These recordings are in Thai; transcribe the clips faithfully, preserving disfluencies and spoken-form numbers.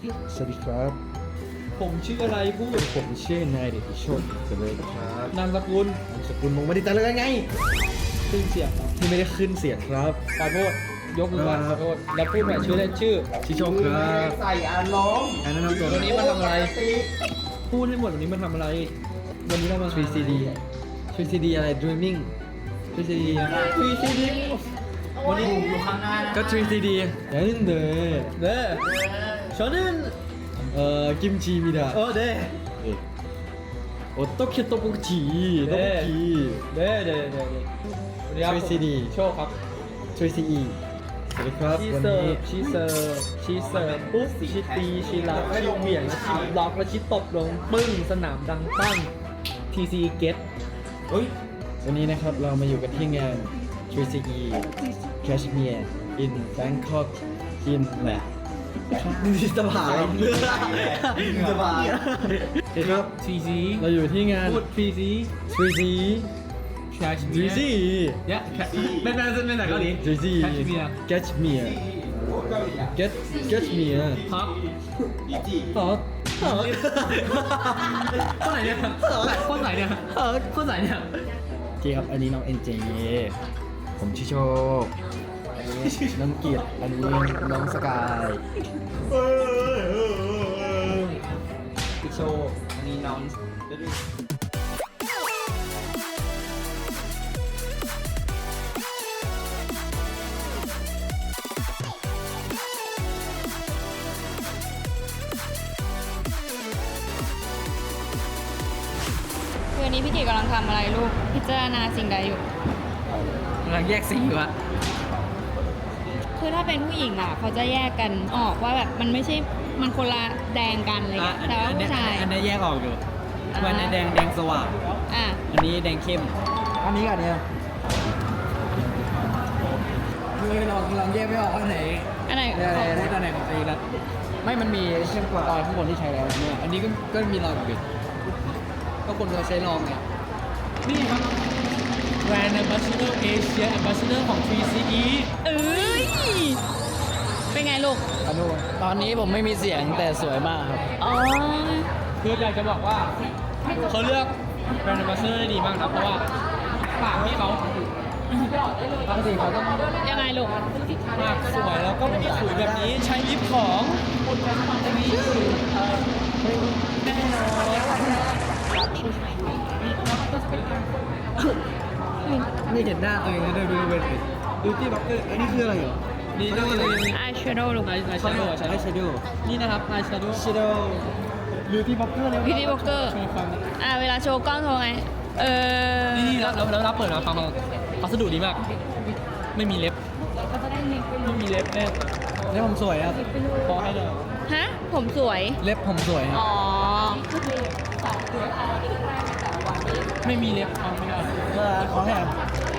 สวัสดีครับผมชื่ออะไรพูดผมชื่อนายเดชโชติเจริญครับนามสกุลนามสกุลมงไม่ได้แต่เลยไงขึ้นเสียงครับที่ไม่ได้ขึ้นเสียงครับขอโทษยกมือไหว้คขรัอบ โทษแล้วพูดใหม่ชื่อเล่นชื่อชิโชคครับใส่อารมณ์อันนั้นนำตัววันนี้มาทำอะไร พูดให้หมดวันนี้มาทำอะไร วันนี้เรามาทรีซีดีทรีซีดีอะไร dreaming ทรีซีดีทรีซีดีวันนี้อยู่ข้างหน้านะก็ทรีซีดีอย่างนี้เด้อเด้อชอนึนเอ่อกิมจิมิดะเออเด้อโอโตเกโตโปกุจิโตโปกุจิเด้อเด้อเด้อเด้อวันนี้ครับทรีซีดีโชคครับทรีซีอีสวัสดีครับชีวันเสินี้ร์ฟชีเสิร์ฟชีเสิร์ฟปุ๊บชีตีชีรับชีเหวี่ยงชีบล็อกแล้วชีตบลงปึ้งสนามดังปั้งทีซีเก็ตเฮ้ยวันนี้นะครับเรามาอยู่กันที่งาน ทรี ซี อี Cashmere in Bangkok in แหละนี่สบายสบายครับทีซีเราอยู่ที่งานพูดทีซีทรี ซีแคชทรีซีเนี่ยเป็นเป็นเป็นไหนเกาหลีทรีซีแคชเมียร์ Cashmere Get Cashmere ฮะอีจีฮอตฮอตคนไหนเนี่ยคนไหนเนี่ยฮอตคนไหนเนี่ยโอเคครับ อันนี้น้องเอ็นเจผมชื่อโชคอันนี้น้องเกียรติอันนี้น้องสกายพิโชว์อันนี้น้องคืออันนี้พี่เกดกำลังทำอะไรลูก พิจารณาสิ่งใดอยู่กำลังแยกสีอยู่อะคือถ้าเป็นผู้หญิงอ่ะ เขาจะแยกกันออกว่าแบบมันไม่ใช่ มันคนละแดงกันอะไรเงี้ยแต่ว่าผู้ชายอันนี้แยกออกอยู่อ่าวันนี้แดงแดงสว่างอ่ะอันนี้แดงเข้มอันนี้กันเนี่ยคือลองลองแยกไม่ออกว่าไหนอันไหนได้ได้ได้ตอนไหนของตีแล้วไม่มันมีเข้มกว่าตอนข้างบนที่ใช้แล้วเนี่ยอันนี้ก็ก็มีรอยบิดก็คนเคยใช้ลองไงนี่ครับแบรนด์ Ambassador Asia Ambassador ของ ทรี ซี อีเอ้ย เป็นไงลูกอนุตอนนี้ผมไม่มีเสียงแต่สวยมากครับอ๋อคืออยากจะบอกว่าเขาเลือกแบรนด์ Ambassador ได้ดีมากนะเพราะว่าปากที่เขาปกติเขาต้องยังไงลูกปากสวยแล้วก็มีขุยแบบนี้ใช้ลิปของแน่นอนไม่เห็นหน้าตัวเองเลยดูดูเป็นดูที่บ็อกเกอร์อันนี้คืออะไรเหรอนี่นี่นี่นี่อายแชโดว์ลูกไอไอแชโดว์ไอแชโดว์นี่นะครับไอแชโดว์แชโดว์ดูที่บ็อกเกอร์เลยพี่ดีโบเกอร์โชว์ความอ่ะ เวลาโชว์กล้องโชว์ไง เออนี่นี่แล้วแล้วแล้วเปิดมาฟังมาพัสดุดีมาก ไม่มีเล็บไม่มีเล็บแน่เล็บผมสวยครับพอให้เลยฮะ ผมสวยเล็บผมสวยครับอ๋อไม่มีเล็บฟังไม่ได้เออขอแถม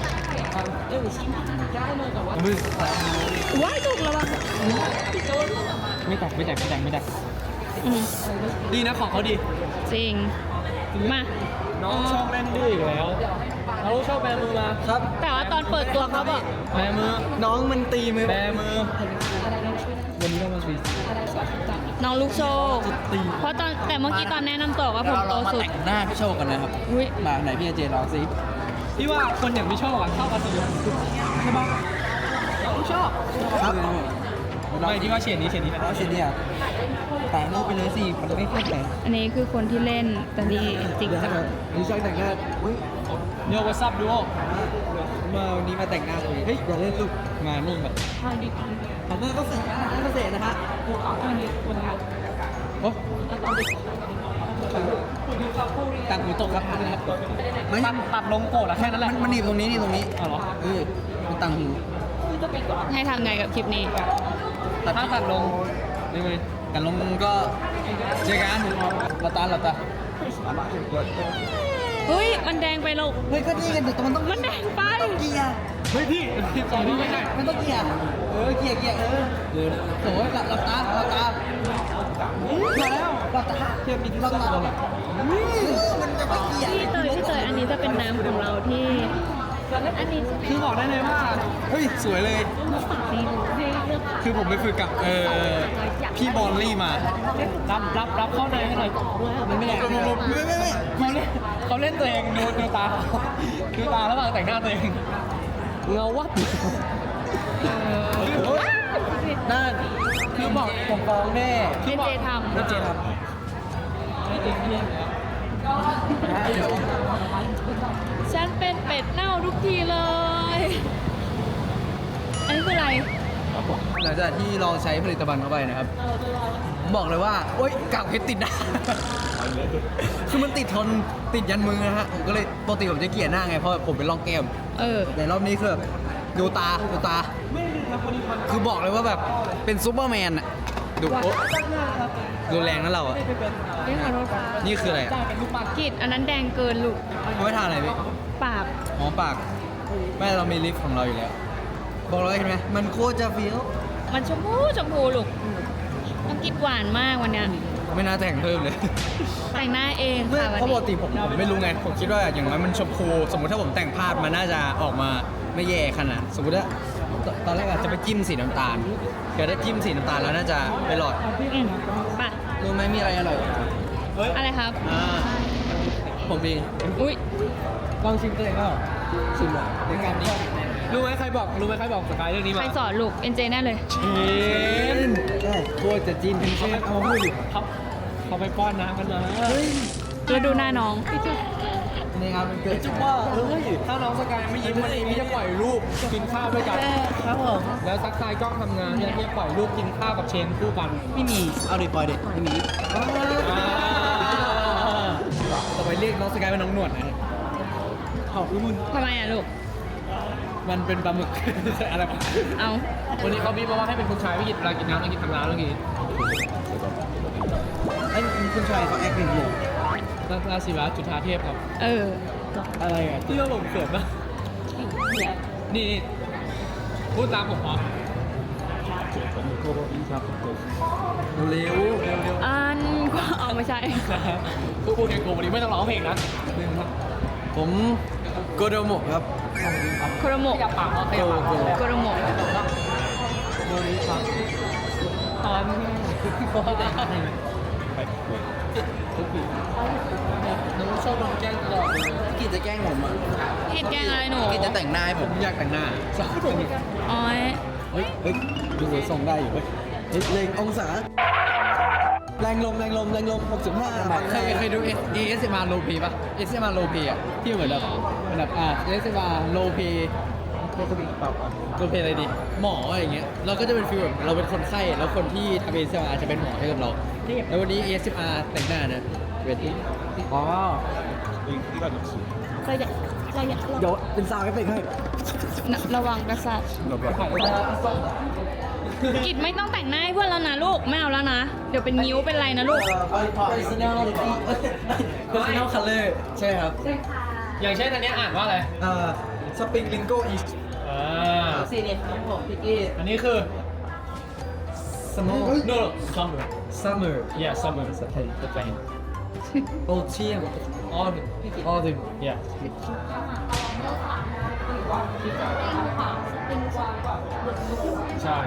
มือว้ายลูกระวังไม่แตกไม่แตกไม่แตกไม่แตกอืมดีนะของเขาดีจริง มาน้องชอบเล่นดื้ออีกแล้วเราชอบแบมือมาครับแต่ว่าตอนเปิดตัวเขาบอกแบมือน้องมันตีมือแบมือวันนี้เรามาสวีทน้องลูกโชคตีเพราะตอนแต่เมื่อกี้ตอนแนะนำตัวว่าผมโตสุดหน้าพี่โชคกันนะครับอุ้ยมาไหนพี่เจลองสิพี่ว่าคนอย่างพี่ชอบอ่ะเข้ากับสีใช่ปะเราชอบครับไม่ที่ว่าเฉดนี้เฉดนี้นะแล้วเชนเนี่ยแต่งรูปไปเลยสิมันไม่ค่อยแต่งอันนี้คือคนที่เล่นแต่นี่จริงเดี๋ยวจังนะนี่ช่างแต่งหน้าอุ้ยโยวัซับดูมาวันนี้มาแต่งหน้าตัวเองเฮ้ยอย่าเล่นลูกมานี่แบบทำหน้าก็เสร็จหน้าก็เสร็จนะฮะโอ้ต่างหูตกครับนะครับไม่ตัดตัดลงโกรธอะแค่นั้นแหละมันหนีบตรงนี้นี่ตรงนี้อ๋อเหรอเออมันต่างหูให้ทำไงกับคลิปนี้แต่ถ้าตัดลงยังไงกันลงก็เจอกันเราตาเราตาเฮ้ย มันแดงไปลูกเฮ้ยก็นี่กันเดี๋ยวมันต้องมันแดงไปเกียร์เฮ้ยพี่สองพี่ไม่ใช่มันต้องเกียร์เออเกียร์เกียร์เออเดี๋ยวโอ้ยหลับหลับตาหลับตามาแล้วหลับตาเทียบมีที่หลับตามันจะไปเกียร์พี่เตยพี่เตยอันนี้จะเป็นน้ำของเราที่อันนี้คือบอกได้เลยว่าเฮ้ยสวยเลย คือผมไปฝึกกับเออพี่บอลลี่มารับรับรับเข้าในให้หน่อยมันไม่แรงไม่ไม่ไม่เขาเล่นเขาเล่นตัวเองดูดูตาดูตาแล้วแต่งหน้าตัวเองเงาวัดนั่นคือบอกผมฟ้องแน่เจเจทำเจทำฉันเป็นเป็ดเน่าทุกทีเลย อันนี้คืออะไรหลังจากที่ลองใช้ผลิตภัณฑ์เข้าไปนะครับผมบอกเลยว่าโอ๊ยกากเพชรติดหน้า คือมันติดทนติดยันมือนะฮะผมก็เลยปกติผมจะเกลี่ยหน้าไงเพราะผมเป็นร่องแก้มเออแต่รอบนี้คือแบบดูตาดูตา คือบอกเลยว่าแบบเป็นซูเปอร์แมนอะดูโอ๊ะดูแรงนะเราอะนี่ขอโทษค่ะนี่คืออะไรอะกิดอันนั้นแดงเกินลูกเขาไม่ทานอะไรพี่ปากหอมปากไม่เรามีลิฟต์ของเราอยู่แล้ว บอกเลยเห็นไหมมันโคตรจะเฟี้ยวมันชมพูชมพูลูกต้องกิดหวานมากวันเนี้ยไม่น่าแต่งเพิ่มเลยแต่งหน้าเองไม่ค่ะวันเพราะปนี้กติผมผมไม่รู้ไง ผมคิดว่าอย่างน้อยมันชมพูสมมติถ้าผมแต่งพลาดมันน่าจะออกมาไม่แย่ขนาดสมมติว่าตตอนแรกอาจจะไปจิ้มสีน้ำตาลเกิดได้จิ้มสีน้ำตาลแล้วน่าจะไปหลอดอืมไปรู้ไหมมีอะไรอร่อยอะไรครับอ่าผมเองอุ้ยลองชิมตัวเองก็ชิมหน่อยในการนี้รู้ไหมใครบอกรู้ไหมใครบอกสกายเรื่องนี้ใคมารสอนลูก เอ็นเจแน่เลยเชนใช่โคตรจะจิ้มเป็นเชฟเอามาพูดดิเขาเขาไปป้อนน้ำกันมาแล้วดูหน้าน้องนี่ครับมันเกิดจุ๊บว่าเฮ้ยถ้าน้องสกายไม่ยิ้มวันนี้พี่จะปล่อยรูปกินข้าวด้วยกันครับผมแล้วซักทายกล้องทำงานเนี่ยพี่จะปล่อยรูปกินข้าวกับเชนคู่กันไม่มีเอาดิปล่อยเด็กไม่มี ต่อไปเรียกน้องสกายเป็นน้องหนวดนะเขาอุ้ยทำไมอ่ะลูกมันเป็นปลาหมึก อะไรวะเอาวันนี้เขาบีบมาว่าให้เป็นคุณชายพี่กินเวลากินน้ำต้องกินทางร้านเมื่อกี้ไอ้คุณชายเขาแอคหนึ่งอยู่ราราศิวะจุฑาเทพครับเอออะไรอ่ะที่เราผมเขินปะนี่นี่พูดตามผมเหรอเร็วเร็วเร็วอันก็เอาไม่ใช่พูดพูดเองกูวันนี้ไม่ต้องร้องเพลงนะผมโกโดโมะครับโคโรโมะขยับปากเขาขยับปากเขาโคโรโมะโดนครับตอนเขาเข้าใจไหมน้องชอบโดนแกล้งตลอดเลยกินจะแกล้งผมอ่ะกิดแกงอะไรหนูกินจะแต่งหน้าให้ผมอยากแต่งหน้าชอบโดนอ๋อยเฮ้ยเฮ้ยดูทรงได้อยู่เว้ยเฮ้ยเลงองศาแรงลมแรงลมแรงลมหกสิบห้าเคยเคยดูเอเอสมาโลพีป่ะเอสมาโลพีอ่ะที่เหมือนแบบเหมือนแบบอ่าเอสมาโลพีโลพีอะไรดีหมออะไรอย่างเงี้ยเราก็จะเป็นฟีลแบบเราเป็นคนไข้แล้วคนที่ทำเอสมาจะเป็นหมอให้กับเราแล้ววันนี้เอสมาแต่งหน้านะเป็นอ๋อเราอยากเราอยากเดี๋ยวเป็นซาวด์เอฟเฟกต์ให้ระวังประสาทกิดไม่ต้องแต่งหน้าให้เพื่อนแล้วนะลูก ไม่เอาแล้วนะ เดี๋ยวเป็นนิ้วเป็นไรนะลูก personality personal color ใช่ครับอย่างเช่นอันเนี้ยอ่านว่าอะไรอ่า spring lingo is อ่าสีเนี่ยของผมพี่กี้อันนี้คือ summer no no summer summer yeah summer ภาษาไทยภาษาอังกฤษ autumn autumn autumn yeah ใช่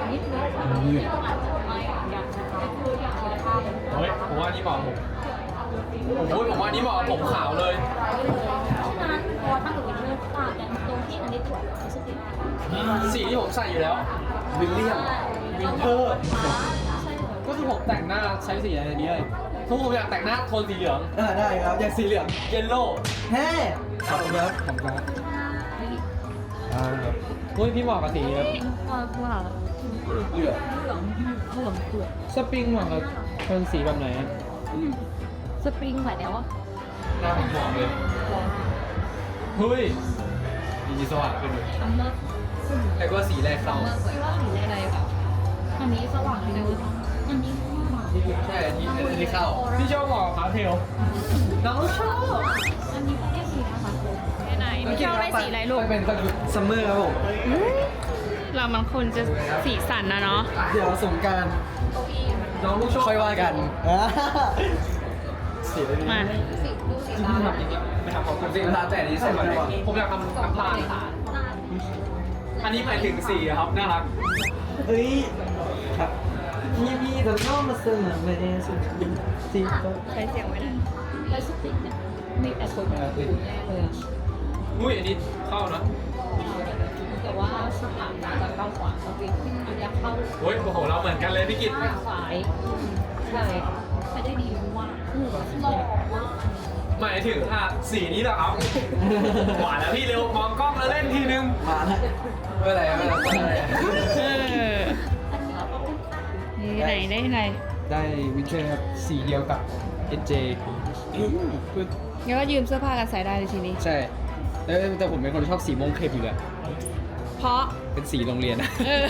เฮ้ยผมว่านี่เหมาะกับผมโอ้ยผมว่านี่เหมาะกับผมขาวเลยนั้นเพราะว่าตั้งอยู่ในเรื่องต่างกันตรงที่อันนี้ตรวจรู้สึกดีมากสีที่ผมใส่อยู่แล้ววิลเลียมวินเทอร์ก็คือผมแต่งหน้าใช้สีอะไรนี้เลยทุกผมอยากแต่งหน้าโทนสีเหลืองอ่าได้ครับอยากสีเหลืองเยลโล่เฮ้ขอบคุณครับขอบคุณครับอ่าครับเฮ้ยพี่เหมาะกับสีแบบว่าว่าเหลืองเหลืองเหลืองเปลือกสปริงเหมาะกับโทนสีแบบไหนอะสปริงไหวแล้ววะหน้าผมเหมาะเลยเฮ้ยดีสว่างขึ้นเลยอันเลิศแต่ก็สีแรกเข้าคิดว่าสีอะไรแบบอันนี้สว่างเลยอันนี้สว่างใช่อันนี้อันนี้เข้าพี่ชอบเหมาะกับพาสเทลน้องชอบอันนี้ไม่ได้สีนะคะไปไหนไม่ชอบได้สีอะไรลูกเป็นซัมเมอร์ครับผมเรามันคนจะสีสันนะเนาะเดี๋ยวสงกรารน้องลูกโชคค่อยว่ากันอ่าสีอะไรดีมาสีดูสีที่ตาพี่ทำอย่างเงี้ยไปทำของผมสิร้านแต่นี้ใส่ก่อนเลยผมอยากทำน้ำตาลอันนี้หมายถึงสีครับ น่ารักเฮ้ยครับมีมีแต่ก็มาเสนอเลยสุดสีก็ใช้เสียงไว้นะแล้วสติกเนี่ยมีแต่คนอยู่แน่เลยอะอุ้ยอันนี้เข้านะแต่ว่าสถานะจะเข้าขวาสติกอันนี้เข้าโอ้ยโอ้โหเราเหมือนกันเลยพี่กิตซ้ายใช่ใช้ได้ดีมากหล่อมากหมายถึงอ่ะสีนี้เหรอครับหวานแล้วพี่เร็วมองกล้องแล้วเล่นทีนึงมาแล้วเมื่อไหร่เมื่อไหร่เมื่อไหร่เออนี่ไหนได้ไหนได้วินเทอร์ครับสีเดียวกับ เอ็น เจงั้นก็ยืมเสื้อผ้ากันใส่ได้เลยทีนี้ใช่แต่แต่ผมเป็นคนชอบสีม่วงเข้มอยู่แล้วเพราะเป็นสีโรงเรียนนะเออ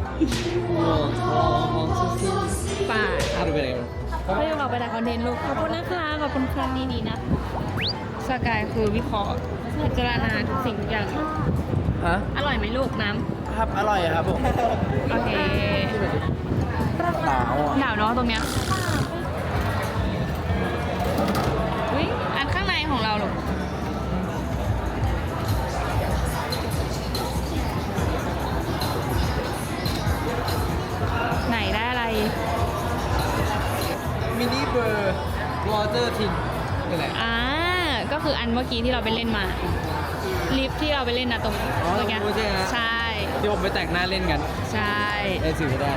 ป่าถ้าดูเป็นอะไรเขาให้เราไปถ่ายคอนเทนต์ลูก ขอบคุณนะคะ ขอบคุณค่ะนี่นี่นะ สกายคือวิเคราะห์พิจารณาทุกสิ่งทุกอย่างฮะอร่อยไหมลูกน้ำครับอร่อยครับผมโอเคหนาวอ่ะหนาวเนาะตรงเนี้ยอุ้ยอันข้างในของเราลูก ไหนได้อะไรมินิเบอร์วอเตอร์ทินนี่แหละอ่า ก็คืออันเมื่อกี้ที่เราไปเล่นมา ลิฟต์ที่เราไปเล่นนะตรงอ๋อตรงเนี้ยตรงนู้นใช่ไหมใช่ที่ผมไปแต่งหน้าเล่นกันใช่ได้สื่อได้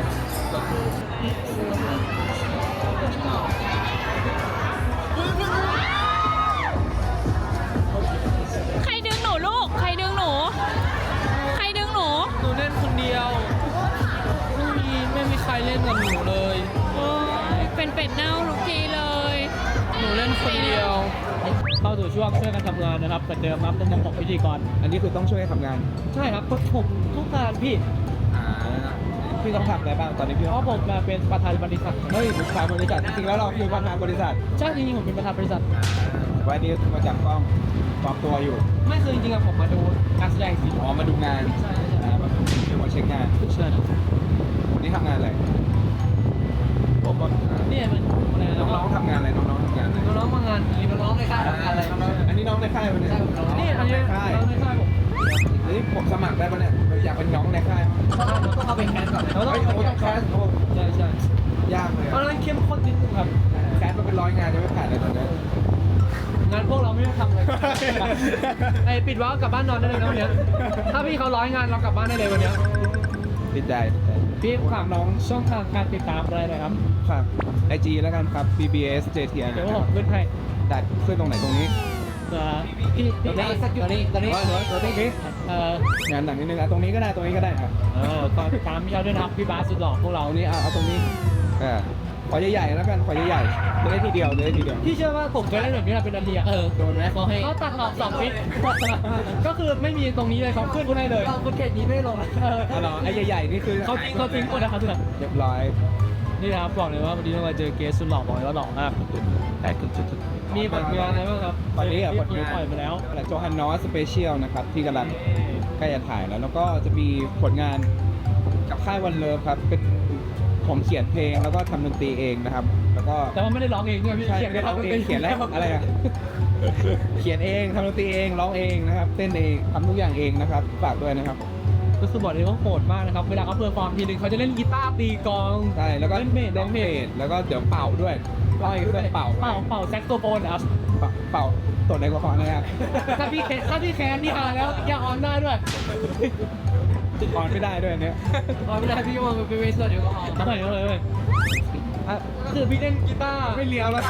ใครดึงหนูลูก ใครดึงหนู ใครดึงหนูหนูเล่นคนเดียวไม่มีไม่มีใครเล่นกับหนูเลยโอ้ยเป็นเป็ดเน่าทุกทีเลยหนูเล่นคนเดียวเข้าสู่ช่วงช่วยกันทำงานนะครับเหมือนเดิมครับในมุมของพิธีกรอันนี้คือต้องช่วยทำงานใช่ครับผมทุกงานพี่อ่าพี่ต้องทำอะไรบ้างตอนนี้พี่เพราะผมมาเป็นประธานบริษัทเฮ้ยประธานบริษัทจริงๆแล้วเราคือประธานบริษัทใช่จริงๆผมเป็นประธานบริษัทวันนี้มาจับกล้องปลอมตัวอยู่ไม่คือจริงๆอะผมมาดูการแสดงสีอ๋อมาดูงานใช่ใช่อ่ามาดูมาเช็คงานใช่นี่ทำงานอะไรผมก็อ่าเนี่ยมันอะไรนะน้องๆทำงานอะไรน้องๆทำงานอะไรน้องๆมางานมีน้องๆในค่ายทำงานอะไรอันนี้น้องในค่ายปะเนี่ยนี่อันนี้ในค่ายน้องในค่ายผมอันนี้ผมสมัครได้ปะเนี่ยอยากเป็นน้องในค่ายต้องเข้าไปแคสก่อนเราต้องเฮ้ยโอ้ต้องแคสโอ้ใช่ใช่ยากเลยเพราะอะฉะนั้นเข้มข้นนิดนึงครับแคสมาเป็นร้อยงานยังไม่ผ่านเลยตอนนี้งานพวกเราไม่ต้องทำเลยไอ้ปิดวาล์วกลับบ้านนอนได้เลยนะวันเนี้ยถ้าพี่เขาร้อยงานเรากลับบ้านได้เลยวันเนี้ยติดใจพี่ฝากน้องช่องทางการติดตามอะไรหน่อยครับฝากไอจีแล้วกันครับ บี บี เอส เจ ที อาร์เดี๋ยวผมขึ้นให้ได้ขึ้นตรงไหนตรงนี้เอ่อพี่พี่ตรงนี้ตรงนี้ตรงนี้ตรงนี้เอ่องานหนังนิดนึงอ่ะตรงนี้ก็ได้ตรงนี้ก็ได้ครับเออตอนตามพี่เขาด้วยนะครับพี่บาสสุดหล่อพวกเราเอานี้เอาเอาตรงนี้อ่าขอใหญ่ๆแล้วกันขอใหญ่ๆจะได้ทีเดียวจะได้ทีเดียวพี่เชื่อว่าผมเคยเล่นแบบนี้มาเป็นนาทีอะเออโดนไหมเขาให้เขาตัดออกสองฟิต ก็คือไม่มีตรงนี้เลยเขาขึ้นให้เลยคุณเขตนี้ไม่ลงเอออ๋อเหรอไอ้ใหญ่ๆนี่คือเขาจริงเขาจริงหมดนะครับทุกคนเรียบร้อยนี่นะครับบอกเลยว่าวันนี้เรามาเจอเกสสุดหล่อบอกเลยว่าหล่อมากแต่จุดๆมีผลงานอะไรบ้างครับตอนนี้อ่ะผลงานปล่อยไปแล้วโจฮันนอสสเปเชียลนะครับที่กำลังใกล้จะถ่ายแล้ว แล้วก็จะมีผลงานกับค่ายวันเลิฟครับเป็นผมเขียนเพลงแล้วก็ทำดนตรีเองนะครับ แล้วก็แต่ว่าไม่ได้ร้องเองใช่ไหมพี่ใช่เขียนได้ร้องเองเขียนแล้วอะไรอ่ะเขียนเองทำดนตรีเองร้องเองนะครับเต้นเองทำทุกอย่างเองนะครับฝากด้วยนะครับก็คือบอกเลยว่าโหดมากนะครับเวลาเขาเพอร์ฟอร์มทีนึงเขาจะเล่นกีตาร์ตีกลองใช่แล้วก็เล่นเบสร้องเพลงแล้วก็เดี๋ยวเป่าด้วยร้องด้วยเป่าเป่าเป่าแซกโซโฟนนะครับเป่าเป่าตัวในกระเพาะนะครับถ้าพี่แคนถ้าพี่แคนนี่หาแล้วอย่าออนได้ด้วยออนไม่ได้ด้วยอันเนี้ยออนไม่ได้พี่ว่ามันเป็นเวสต์เดี๋ยวก็ออนไม่ได้เลยเลยอ่ะคือพี่เล่นกีตาร์ไม่เลี้ยวแล้ว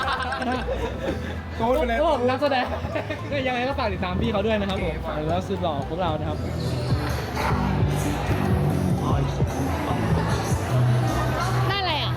โกดไปเลยโอ้ผมนักแสดงก็ยังไงก็ฝากติดตามพี่เขาด้วยนะครับผมแล้วสุดหล่อพวกเรานะครับได้อะไรอ่ะ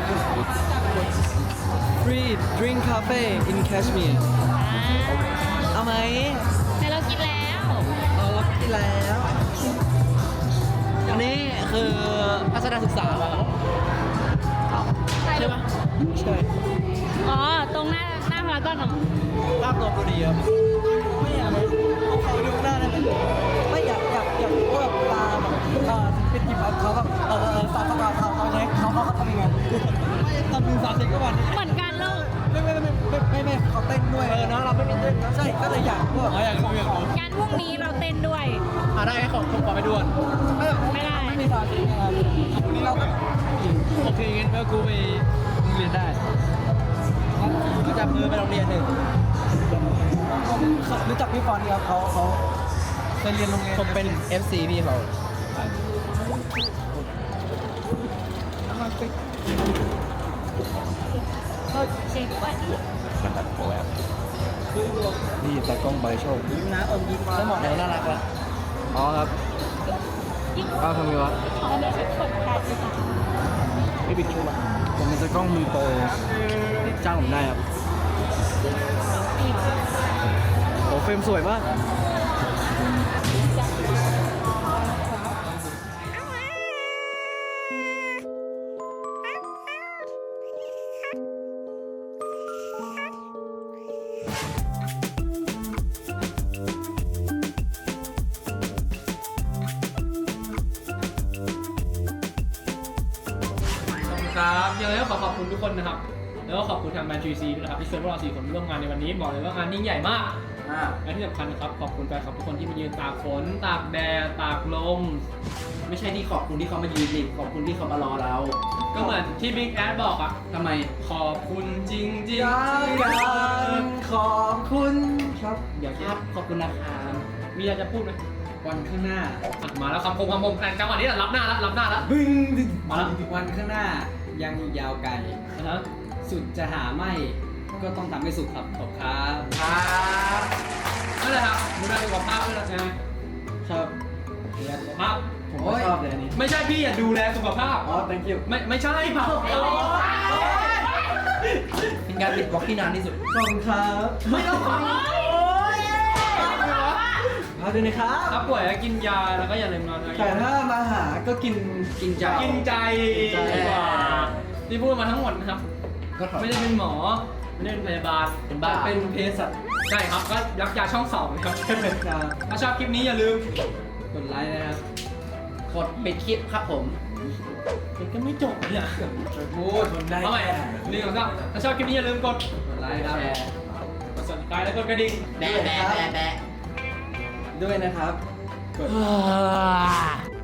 Free drink cafe in Kashmir อ่าเอาไหมแต่เรากินแล้วเอาเรากินแล้วอันนี้คือพัฒนาศึกษาป่ะครับใช่ปะใช่อ๋อ ตรงหน้าหน้าพารากอนเหรอภาพตัวพอดีครับไม่อยากเลยเขาดูหน้าได้ไหมไม่อยากอยากอยากรู้แบบเวลาแบบเออเป็นทีมเขาแบบเออเออสาวเขาเขาเขาใช้เขาเขาเขาทำยังไงตอนดูซาวด์เช็คก็วันเหมือนกันเลยไม่ไม่ไม่ไม่ไม่ไม่เขาเต้นด้วยเออเนาะเราไม่มีเต้นนะใช่ก็เลยอยากพวกอ๋ออยากรู้อยากรู้งานพรุ่งนี้เราเต้นด้วยอ่ะได้ขอผมขอไปด่วนไม่ได้ไม่มีซาวด์เช็คนะครับวันนี้เราแบบโอเคงั้นก็กูไปโรงเรียนได้ก็จับมือไปโรงเรียนหนึ่งรู้จักพี่ฟอนครับเขาเขาเคยเรียนโรงเรียนผมเป็น เอฟ ซี พี่เขาเช็คว่านี่ตากล้องใบโชคยิ้มนะอมยิ้มมาแล้วหมดแล้วน่ารักละอ๋อครับเอาทำไงวะเขาไม่ใช่คนไทยค่ะพี่บิ๊กชูมาผมเป็นตากล้องมือโปรจ้างผมได้ครับโอ้เฟรมสวยมากครับยังไงก็ขอขอบคุณทุกคนนะครับ แล้วก็ขอบคุณทางแมนทรีซีด้วยนะครับที่เชิญพวกเราสี่คนร่วมงานในวันนี้บอกเลยว่างานยิ่งใหญ่มากอ่าและที่สำคัญนะครับขอบคุณแฟนคลับทุกคนที่มายืนตากฝนตากแดดตากลมไม่ใช่ที่ขอบคุณที่เขามายืนดิขอบคุณที่เขามารอเราก็เหมือนที่บิ๊กแอดบอกอะทำไมขอบคุณจริงจริงการขอบคุณครับเดี๋ยวคครัรับบ ขอบคุณนะคะมีอะไรจะพูดไหมวันข้างหน้าอ่ะมาแล้วคำคมคำคมแต่จังหวะนี้แหละรับหน้าแล้วรับหน้าแล้วบึ้งมาแล้ววันข้างหน้ายังอีกยาวไกลนะฮะสุดจะหาไม่ก็ต้องทำให้สุดครับขอบครับครับนั่นแหละครับดูแลสุขภาพด้วยนะไงครับดูแลสุขภาพผมก็ชอบเลยอันนี้ไม่ใช่พี่อย่าดูแลสุขภาพอ๋อ thank you ไม่ไม่ใช่เปล่าเป็นการปิดบล็อกที่นานที่สุดขอบคุณครับไม่ต้องขอเอาด้วยนะครับถ้าป่วยก็กินยาแล้วก็อย่าลืมนอนแต่ถ้ามาหาก็กินกินใจกินใจดีกว่าที่พูดมาทั้งหมดนะครับก็ขอไม่ได้เป็นหมอ ไม่ได้เป็นพยาบาลเป็นบ้าเป็นเภสัชใช่ครับ ก็ยักยาช่องสองนะครับครับถ้าชอบคลิปนี้อย่าลืมกดไลค์นะครับกดปิดคลิปครับผมมันก็ไม่จบเนี่ยพูดคนได้เอาใหม่หนึ่งสองสามถ้าชอบคลิปนี้อย่าลืมกดกดไลค์ครับแชร์กด subscribe แล้วกดกระดิ่งแบะแบะแบะแบะด้วยนะครับ กด